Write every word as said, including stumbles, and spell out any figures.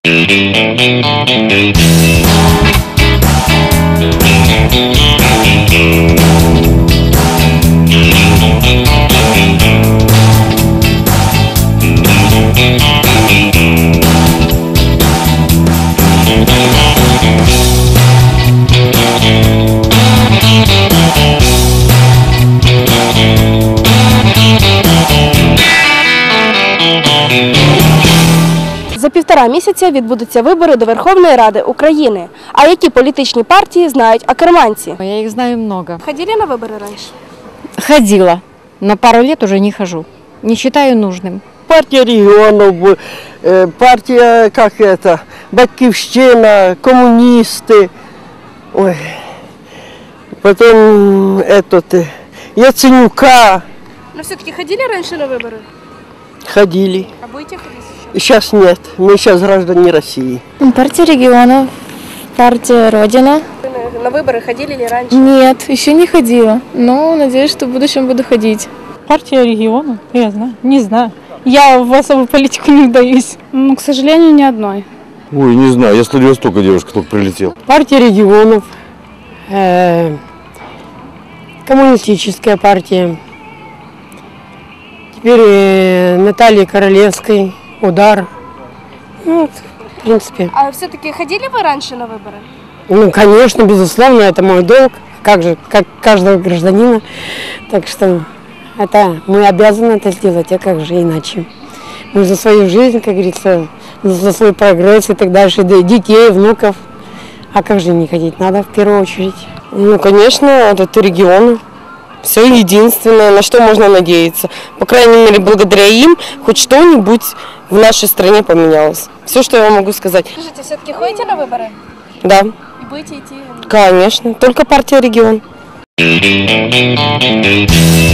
За півтора місяця відбудуться вибори до Верховної Ради України. А які політичні партії знають акерманці? Я их знаю много. Ходили на вибори раніше? Ходила, но пару лет уже не хожу. Не считаю нужным. Партия регионов, партия, как это, Батьківщина, коммунисты, ой, потом этот, Яценюка. Но все-таки ходили раньше на выборы? Ходили. А будете ходить сейчас? Сейчас нет, мы сейчас граждане России. Партия регионов, партия Родина. На выборы ходили ли раньше? Нет, еще не ходила, но надеюсь, что в будущем буду ходить. Партия регионов, я знаю, не знаю. Я в особую политику не вдаюсь. Ну, к сожалению, ни одной. Ой, не знаю, я с Владивостока девушка только прилетел. Партия регионов, э, коммунистическая партия, теперь э, Натальи Королевской, Удар. Ну, вот, в принципе. А все-таки ходили вы раньше на выборы? Ну, конечно, безусловно, это мой долг, как же, как каждого гражданина. Так что это мы обязаны это сделать, а как же иначе? Мы за свою жизнь, как говорится, за свой прогресс и так дальше, детей, внуков. А как же не ходить? Надо в первую очередь. Ну, конечно, это регионы. Все единственное, на что можно надеяться. По крайней мере, благодаря им хоть что-нибудь в нашей стране поменялось. Все, что я вам могу сказать. Скажите, все-таки ходите на выборы? Да. И будете идти? Конечно. Только партия регион.